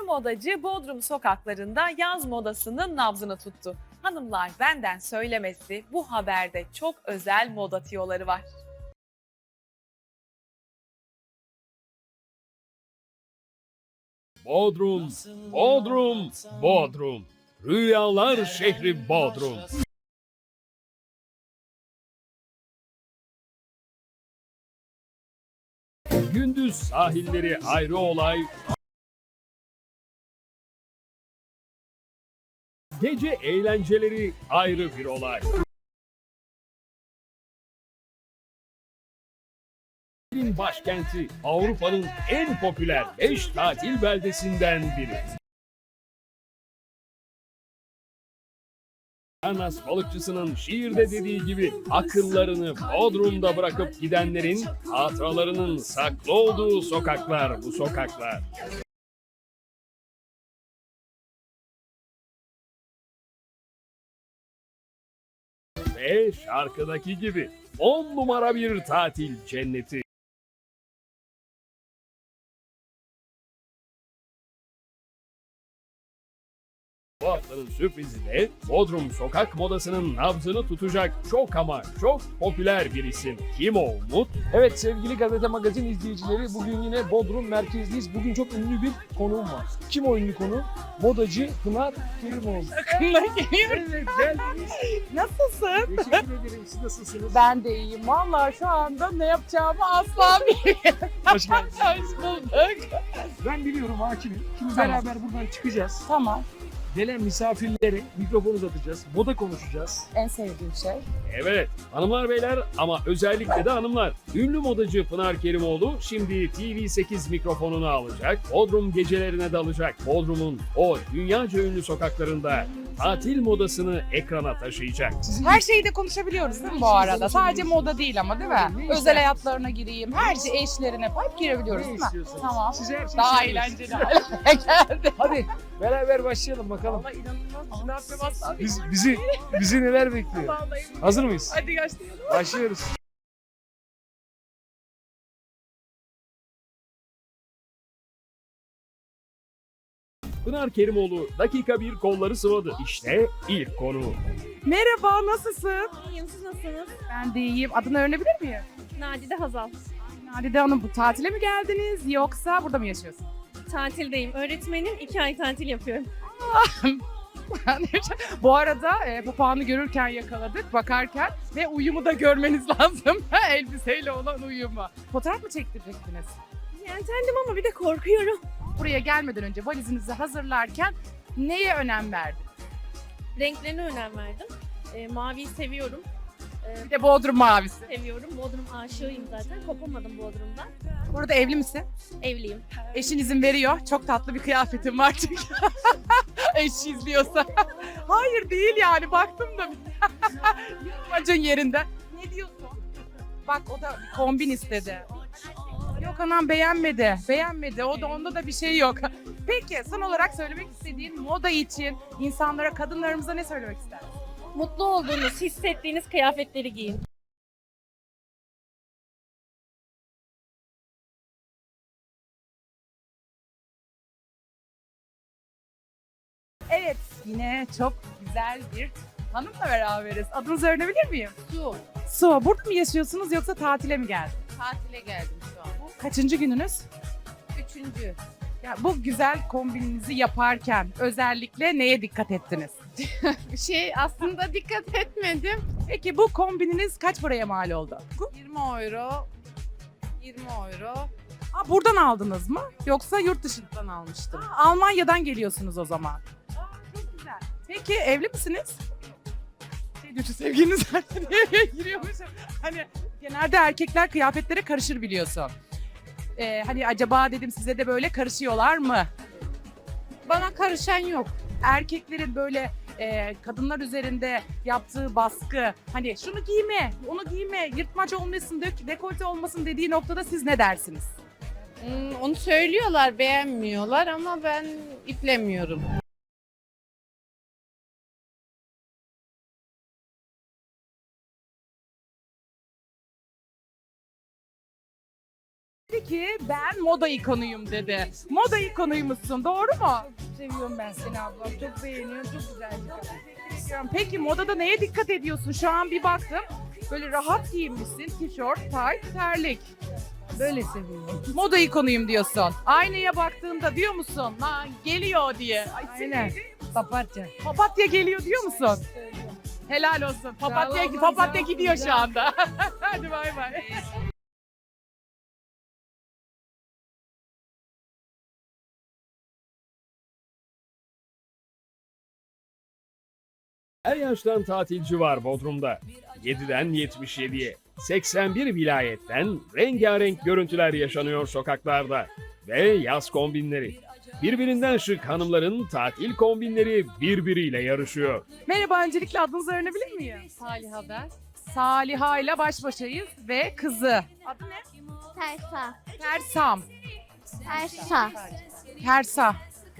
modacı Bodrum sokaklarında yaz modasının nabzını tuttu. Hanımlar benden söylemesi, bu haberde çok özel moda tiyoları var. Bodrum, Bodrum, Bodrum. Rüyalar şehri Bodrum. Gündüz sahilleri ayrı olay. Gece eğlenceleri ayrı bir olay. Başkenti Avrupa'nın en popüler 5 tatil beldesinden biri. Anas balıkçısının şiirde dediği gibi akıllarını Bodrum'da bırakıp gidenlerin hatıralarının saklı olduğu sokaklar bu sokaklar. Ve şarkıdaki gibi 10 numara bir tatil cenneti. Bu haftanın sürprizi de Bodrum sokak modasının nabzını tutacak çok ama çok popüler bir isim. Kim o Umut? Evet sevgili Gazete Magazin izleyicileri, bugün yine Bodrum merkezdeyiz. Bugün çok ünlü bir konuğum var. Kim o ünlü konu? Modacı Pınar Kerimoğlu. Evet, geldiniz. nasılsın? Teşekkür ederim. Siz nasılsınız? Ben de iyiyim. Vallahi şu anda ne yapacağımı asla bilmiyorum. Hoş geldiniz. Hoş bulduk. Ben biliyorum, hakimim. Şimdi Tamam. beraber buradan çıkacağız. Tamam. Gelen misafirlere mikrofon uzatacağız. Moda konuşacağız. En sevdiğim şey. Evet, hanımlar beyler ama özellikle de hanımlar. Ünlü modacı Pınar Kerimoğlu şimdi TV8 mikrofonunu alacak, Bodrum gecelerine dalacak. Bodrum'un o dünyaca ünlü sokaklarında tatil modasını ekrana taşıyacak. Her şeyi de konuşabiliyoruz değil mi bu arada? Sadece moda değil ama değil mi? Özel hayatlarına gireyim. Her şey eşlerine hep girebiliyoruz Ne değil mi? istiyorsanız. Tamam. Size her şey Daha serbest. eğlenceli hale geldi. Hadi beraber başlayalım bakalım. Ama inanılmaz. Ne yapacağım asla Bizi neler bekliyor? Vallahi. Hazır mıyız? Hadi başlayalım. Başlıyoruz. Pınar Kerimoğlu dakika bir kolları sıvadı. İşte ilk konu. Merhaba, nasılsın? İyiyim, siz nasılsınız? Ben de iyiyim. Adını öğrenebilir miyim? Nadide Hazal. Nadide Hanım, bu tatile mi geldiniz yoksa burada mı yaşıyorsunuz? Tatildeyim. Öğretmenim, 2 ay tatil yapıyorum. Bu arada papağanı görürken yakaladık, bakarken ve uyumu da görmeniz lazım. Elbiseyle olan uyumu. Fotoğraf mı çektirecektiniz? Yeltendim ama bir de korkuyorum. Buraya gelmeden önce valizinizi hazırlarken neye önem verdin? Renklerine önem verdim. Maviyi seviyorum. Bir de Bodrum mavisi. Seviyorum. Bodrum aşığıyım zaten. Kopamadım Bodrum'dan. Burada evli misin? Evliyim. Eşin izin veriyor. Çok tatlı bir kıyafetim var çünkü. Eşi izliyorsa. Hayır değil yani, baktım da. Yılmacın yerinde. Ne diyorsun? Bak, o da kombin istedi. Yok anam, beğenmedi. Beğenmedi. O da, onda da bir şey yok. Peki son olarak söylemek istediğin moda için insanlara, kadınlarımıza ne söylemek istersin? Mutlu olduğunuz, hissettiğiniz kıyafetleri giyin. Evet, yine çok güzel bir hanımla beraberiz. Adınızı öğrenebilir miyim? Su. Su, burada mı yaşıyorsunuz yoksa tatile mi geldiniz? Tatile geldim şu an. Kaçıncı gününüz? Üçüncü. Ya bu güzel kombininizi yaparken özellikle neye dikkat ettiniz? Aslında dikkat etmedim. Peki bu kombininiz kaç paraya mal oldu? 20 euro. 20 euro. Aa, buradan aldınız mı? Yoksa yurt dışından? Buradan almıştım. Almanya'dan geliyorsunuz o zaman. Aa, çok güzel. Peki evli misiniz? Şey diyor, sevgiliniz diye giriyormuş. Hani genelde erkekler kıyafetlere karışır biliyorsun. Hani acaba dedim, size de böyle karışıyorlar mı? Bana karışan yok. Erkeklerin böyle kadınlar üzerinde yaptığı baskı, hani şunu giyme, onu giyme, yırtmaç olmasın, dekolte olmasın dediği noktada siz ne dersiniz? Onu söylüyorlar, beğenmiyorlar ama ben iplemiyorum. ki ben moda ikonuyum dedi. Moda ikonuymuşsun, doğru mu? Seviyorum ben seni ablam. Çok beğeniyorum. Çok güzel bir kadın. Peki modada neye dikkat ediyorsun? Şu an bir baktım. Böyle rahat giyinmişsin. Tişört, tayt, terlik. Böyle seviyorum. Moda ikonuyum diyorsun. Aynaya baktığında diyor musun? Lan geliyor diye. Ay, Aynen. Papatya. Papatya geliyor diyor musun? Helal olsun. Papatya, Sağ ol, papatya sağ ol, gidiyor sağ şu ol. anda. Hadi bay bay. Her yaştan tatilci var Bodrum'da. 7'den 77'ye, 81 vilayetten rengarenk görüntüler yaşanıyor sokaklarda. Ve yaz kombinleri. Birbirinden şık hanımların tatil kombinleri birbiriyle yarışıyor. Merhaba, öncelikle adınızı öğrenebilir miyim? Salih Haber. Saliha ile baş başayız ve kızı. Adı ne? Tersa. Fersam. Tersa. Fersa.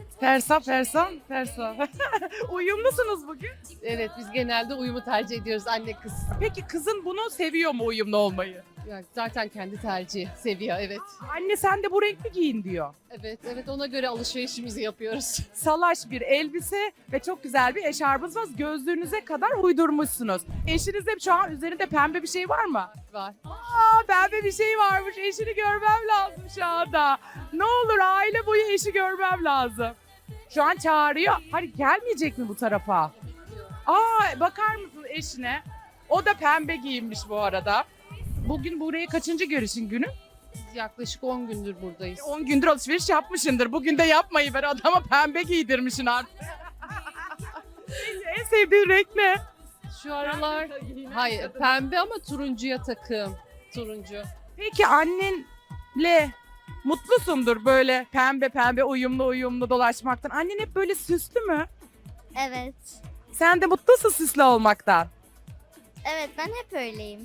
Fersa. Uyumlusunuz bugün. Evet, biz genelde uyumu tercih ediyoruz anne kız. Peki kızın bunu seviyor mu, uyumlu olmayı? Yani zaten kendi tercihi, seviyor, evet. Anne sen de bu renkli giyin diyor. Evet, ona göre alışverişimizi yapıyoruz. Salaş bir elbise ve çok güzel bir eşarbınız var. Gözlüğünüze kadar uydurmuşsunuz. Eşinizde şu an üzerinde pembe bir şey var mı? Var. Pembe bir şey varmış. Eşini görmem lazım şu anda. Ne olur aile boyu eşi görmem lazım. Şu an çağırıyor. Hani gelmeyecek mi bu tarafa? Bakar mısın eşine? O da pembe giyinmiş bu arada. Bugün buraya kaçıncı görüşün günü? Biz yaklaşık 10 gündür buradayız. 10 gündür alışveriş yapmışındır. Bugün de yapmayı ver, adama pembe giydirmişsin artık. En sevdiğin renk ne? Şu aralar, hayır pembe ama turuncuya takım. Turuncu. Peki annenle mutlusundur böyle pembe uyumlu dolaşmaktan. Annen hep böyle süslü mü? Evet. Sen de mutlusun süslü olmaktan. Evet ben hep öyleyim.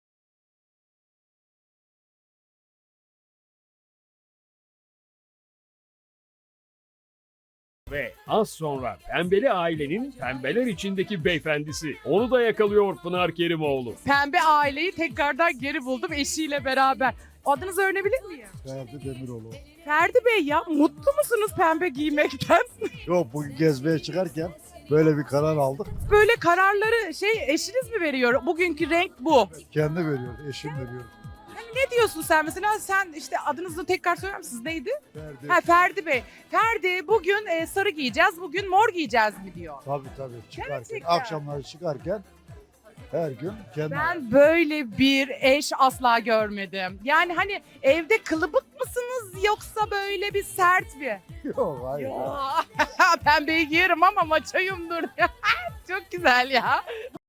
Ve az sonra pembeli ailenin pembeler içindeki beyefendisi. Onu da yakalıyor Pınar Kerimoğlu. Pembe aileyi tekrardan geri buldum eşiyle beraber. Adınızı öğrenebilir miyim? Ferdi Demiroğlu. Ferdi Bey ya, mutlu musunuz pembe giymekten? Yok, bugün gezmeye çıkarken böyle bir karar aldık. Böyle kararları eşiniz mi veriyor? Bugünkü renk bu. Kendi veriyor, eşim veriyor. Ne diyorsun sen mesela? Sen işte adınızı tekrar söyler misiniz? Neydi? Ferdi. Ferdi Bey. Ferdi bugün sarı giyeceğiz, bugün mor giyeceğiz mi diyor. Tabii çıkarken, Gerçekten. akşamları çıkarken her gün kendi. Ben böyle bir eş asla görmedim. Yani hani evde kılıbık mısınız yoksa böyle bir sert bir? Yok, hayır. Pembeyi giyerim ama maçoyumdur. Çok güzel ya.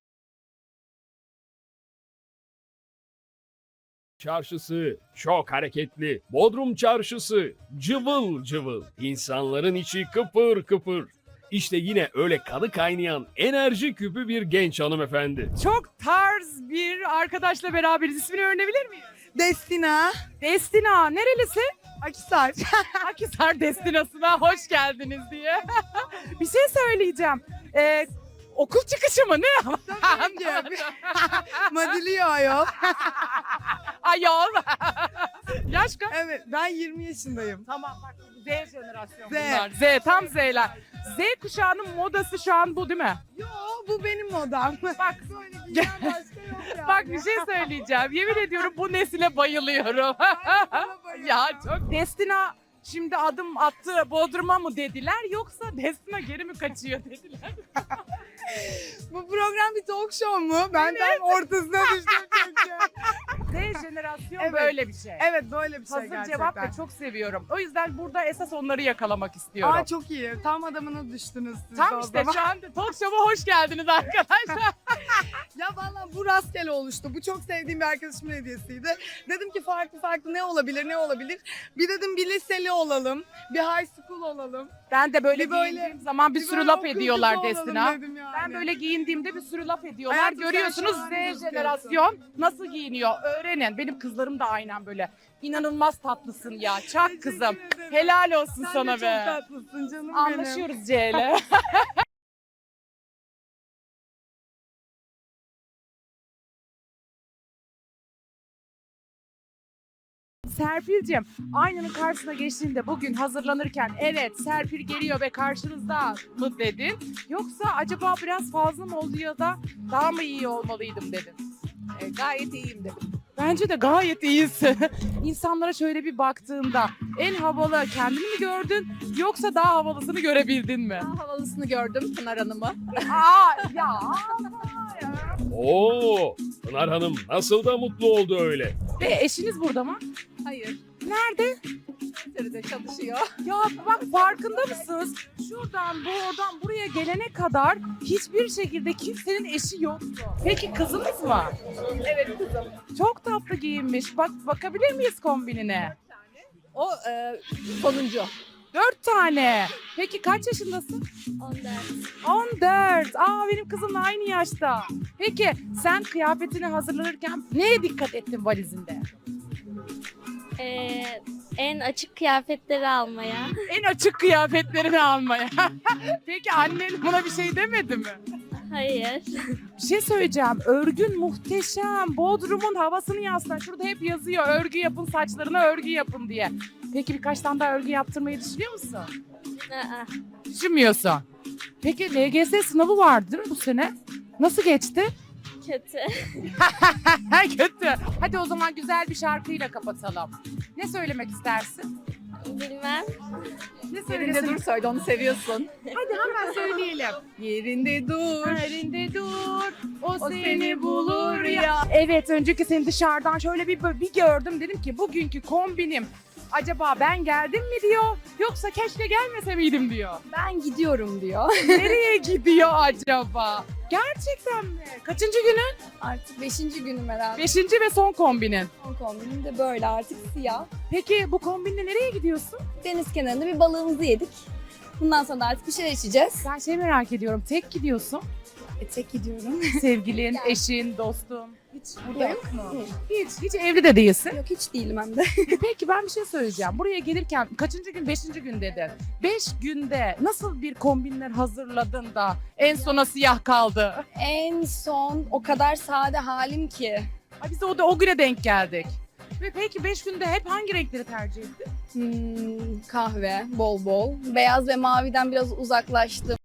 Çarşısı çok hareketli. Bodrum çarşısı cıvıl cıvıl. İnsanların içi kıpır kıpır. İşte yine öyle kanı kaynayan enerji küpü bir genç hanımefendi. Çok tarz bir arkadaşla beraberiz. İsmini öğrenebilir miyim? Destina. Destina. Nerelisi? Akisar. Akhisar Destinası'na hoş geldiniz diye. Bir şey söyleyeceğim. Okul çıkışı mı ne? Madiliyor ayol. Ayol. Yaş kaç? Evet ben 20 yaşındayım. Tamam bak, Z jenerasyon Z. bunlar. Z, tam Z'ler. Z kuşağının modası şu an bu değil mi? Yo bu benim modam. Bak, Böyle giyen başka yok yani. bak bir şey söyleyeceğim. Yemin ediyorum bu nesile bayılıyorum. Bana bayılıyor. Ya çok. Destina şimdi adım attı Bodrum'a mı dediler yoksa Destina geri mi kaçıyor dediler. Bu program bir talk show mu? Ben tam ortasına düştüm çünkü. Z jenerasyon Evet. böyle bir şey. Evet böyle bir şey Hazır gerçekten. cevap ve çok seviyorum. O yüzden burada esas onları yakalamak istiyorum. Aa çok iyi. Tam adamına düştünüz siz Tam o işte zaman. şu anda talk show'a hoş geldiniz arkadaşlar. Ya valla bu rastgele oluştu. Bu çok sevdiğim bir arkadaşımın hediyesiydi. Dedim ki farklı ne olabilir? Bir dedim bir liseli olalım. Bir high school olalım. Ben de böyle Bir böyle- giyindiğim zaman bir sürü böyle laf okul ediyorlar kızı olalım Destina. dedim yani. Ben böyle giyindiğimde bir sürü laf ediyorlar. Hayatım sen Görüyorsunuz şahane Z gözüküyorsun. jenerasyon nasıl giyiniyor öğrenin. Benim kızlarım da aynen böyle. İnanılmaz tatlısın ya. Çak Teşekkür kızım. ederim. Helal olsun Sen sana de be. çok tatlısın canım benim. Anlaşıyoruz C ile. Serpil'cim, aynanın karşısına geçtiğinde bugün hazırlanırken evet Serpil geliyor ve karşınızda mı dedin? Yoksa acaba biraz fazla mı oldu ya da daha mı iyi olmalıydım dedin? Gayet iyiyim dedim. Bence de gayet iyisin. İnsanlara şöyle bir baktığında en havalı kendini mi gördün yoksa daha havalısını görebildin mi? Daha havalısını gördüm Pınar Hanım'ı. Aa ya. Oo, Pınar Hanım nasıl da mutlu oldu öyle. Ve eşiniz burada mı? Hayır. Nerede? Twitter'da çalışıyor. Ya bak farkında mısınız? Şuradan buradan buraya gelene kadar hiçbir şekilde kimsenin eşi yoktu. Peki kızınız mı? Evet kızım. Çok tatlı giyinmiş. Bak bakabilir miyiz kombinine? O sonuncu. 4 tane. Peki kaç yaşındasın? 14. Aa benim kızımla aynı yaşta. Peki sen kıyafetini hazırlanırken neye dikkat ettin valizinde? En açık kıyafetleri almaya. En açık kıyafetlerini almaya. Peki annen buna bir şey demedi mi? Hayır. Bir şey söyleyeceğim. Örgün muhteşem. Bodrum'un havasını yansıtan. Şurada hep yazıyor. Örgü yapın, saçlarına örgü yapın diye. Peki birkaç tane daha örgü yaptırmayı düşünüyor musun? Düşünmüyorsun. Peki LGS sınavı vardı değil mi bu sene? Nasıl geçti? Kötü. Kötü. Hadi o zaman güzel bir şarkıyla kapatalım. Ne söylemek istersin? Bilmem. Ne Yerinde söylesin? dur söyle onu seviyorsun. Hadi hemen söyleyelim. Yerinde dur. Yerinde dur, o O seni seni bulur bulur ya. ya. Evet, önceki seni dışarıdan şöyle bir gördüm. Dedim ki bugünkü kombinim acaba ben geldim mi diyor, yoksa keşke gelmese miydim diyor. Ben gidiyorum diyor. Nereye gidiyor acaba? Gerçekten mi? Kaçıncı günün? Artık 5. günüm herhalde. Beşinci ve son kombinin. Son kombinim de böyle artık siyah. Peki bu kombinle nereye gidiyorsun? Deniz kenarında bir balığımızı yedik. Bundan sonra da artık bir şeyler içeceğiz. Ben şey merak ediyorum, tek gidiyorsun. Tek gidiyorum. Sevgilin, eşin, dostun. Hiç Burada yok. yok mu? Hı. Hiç evli de değilsin. Yok hiç değilim hem de. Peki ben bir şey söyleyeceğim. Buraya gelirken kaçıncı gün? 5. gün dedin. 5 günde nasıl bir kombinler hazırladın da en sona siyah kaldı? En son o kadar sade halim ki. Ay biz de o güne denk geldik. Ve peki 5 günde hep hangi renkleri tercih ettin? Kahve bol bol. Beyaz ve maviden biraz uzaklaştım.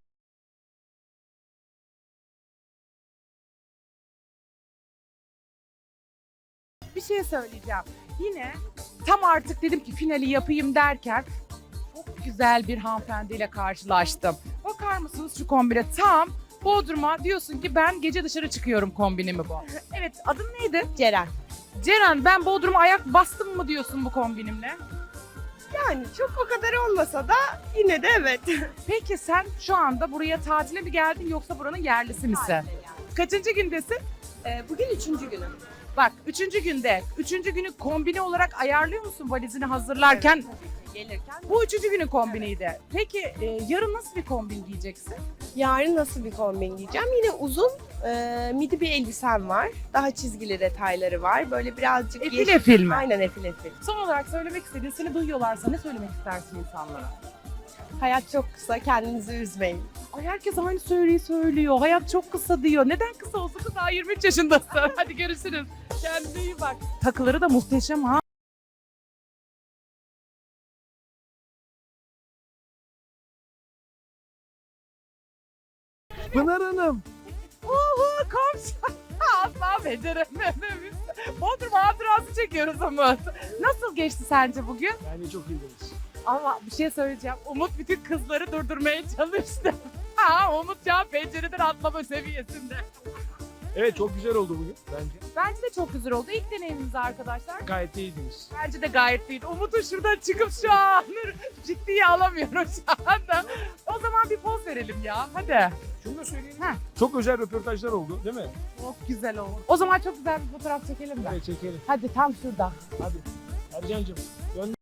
Bir şey söyleyeceğim. Yine tam artık dedim ki finali yapayım derken çok güzel bir hanımefendiyle karşılaştım. Bakar mısınız şu kombine? Tam Bodrum'a diyorsun ki ben gece dışarı çıkıyorum kombinimi bu. Evet, adın neydi? Ceren. Ceren, ben Bodrum'a ayak bastım mı diyorsun bu kombinimle? Yani çok o kadar olmasa da yine de evet. Peki sen şu anda buraya tatile mi geldin yoksa buranın yerlisi misin? Kaçıncı gündesin? Bugün 3. günüm. Bak 3. günde. 3. günü kombine olarak ayarlıyor musun valizini hazırlarken? Gelirken. Bu 3. günün kombiniydi. Peki yarın nasıl bir kombin giyeceksin? Yarın nasıl bir kombin giyeceğim? Yine uzun midi bir elbisem var. Daha çizgili detayları var. Böyle birazcık Efil efil mi? Aynen efil efil. Son olarak söylemek istediğin, seni duyuyorlarsa ne söylemek istersin insanlara? Hayat çok kısa, kendinizi üzmeyin. Ay herkes aynı söylüyor. Hayat çok kısa diyor. Neden kısa olsun ki daha 23 yaşındasın? Hadi görüşürüz. Kendine iyi bak. Takıları da muhteşem ha. Pınar Hanım. Oho komşu. Asla becerememiş. Bodrum hatırası çekiyoruz Umut. Nasıl geçti sence bugün? Yani çok iyiydiniz. Ama bir şey söyleyeceğim. Umut bütün kızları durdurmaya çalıştı. Ha, Umut şu an pencereden atlama seviyesinde. Evet çok güzel oldu bugün bence. Bence de çok güzel oldu. İlk deneyimimiz arkadaşlar. Gayet iyiydiniz. Bence de gayet iyi. Umut'un şuradan çıkıp şu an ciddiye alamıyorum şu anda. O zaman bir poz verelim ya. Hadi. Şunu da söyleyelim. Ha. Çok özel röportajlar oldu değil mi? Çok güzel oldu. O zaman çok güzel bir fotoğraf çekelim de. Evet çekelim. Hadi tam şurada. Hadi. Ercan'cığım dön.